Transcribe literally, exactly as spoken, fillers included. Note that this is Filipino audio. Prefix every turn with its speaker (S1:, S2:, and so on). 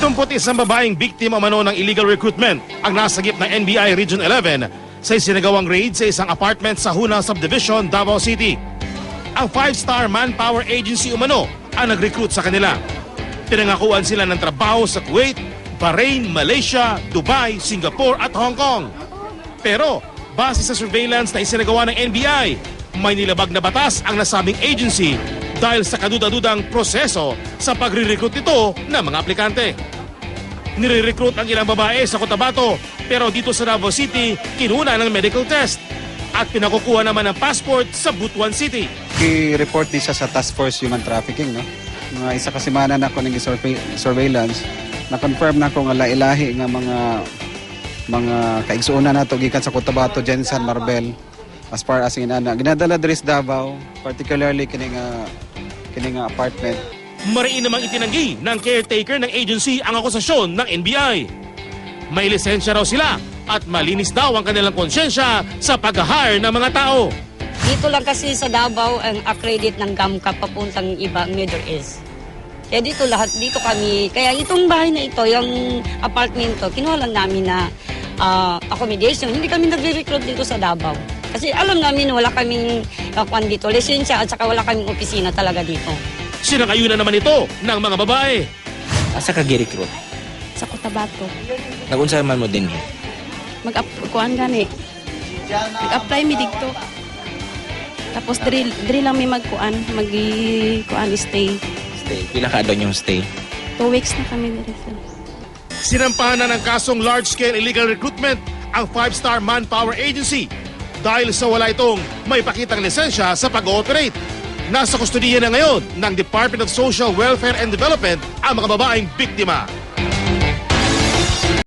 S1: Pitumput isang babaeng biktima mano ng illegal recruitment ang nasagip ng N B I Region eleven sa isinagawang raid sa isang apartment sa Huna Subdivision, Davao City. Ang five-star manpower agency umano ang nag-recruit sa kanila. Pinangakuan sila ng trabaho sa Kuwait, Bahrain, Malaysia, Dubai, Singapore at Hong Kong. Pero base sa surveillance na isinagawa ng N B I, may nilabag na batas ang nasabing agency dahil sa kaduda-dudang proseso sa pagre-recruit nito ng mga aplikante. Nire-recruit ang ilang babae sa Cotabato pero dito sa Davao City, kinuna ng medical test at pinakukuha naman ng passport sa Butuan City.
S2: I-report din siya sa Task Force Human Trafficking. No? Mga isa kasimana na ako ng surveillance, na-confirm na ko nga lailahi nga mga mga kaigsuuna na ito gikan sa Cotabato, Jensen, Marbel, as far as inana. Ginadala diri sa Davao, particularly kining uh, kining uh, apartment.
S1: Mariin namang itinanggi ng caretaker ng agency ang akusasyon ng N B I. May lisensya raw sila at malinis daw ang kanilang konsyensya sa pag-hire ng mga tao.
S3: Dito lang kasi sa Davao ang accredit ng GAMCA papuntang ibang Middle East. Kaya dito lahat, dito kami, kaya itong bahay na ito, yung apartment to, kinuha lang namin na uh, accommodation. Hindi kami nagre-recruit dito sa Davao. Kasi alam namin wala kaming uh, kwan dito, lisensya at saka wala kaming opisina talaga dito.
S1: Sinangayunan naman ito ng mga babae.
S4: Asa ka gi-recruit?
S5: Sa Cotabato.
S4: Nagunsa man mo din eh?
S5: Mag-kuan gani. Mag-apply mi dito. Tapos diri, diri lang mi magkuan, mag-kuan stay.
S4: Stay. Pila ka doon yung stay?
S5: Two weeks na kami diri.
S1: Sinampahan na ng kasong large-scale illegal recruitment ang five-star manpower agency dahil sa wala itong may pakitang lisensya sa pag-ooperate. Nasa kustudiya na ngayon ng Department of Social Welfare and Development ang mga babaeng biktima.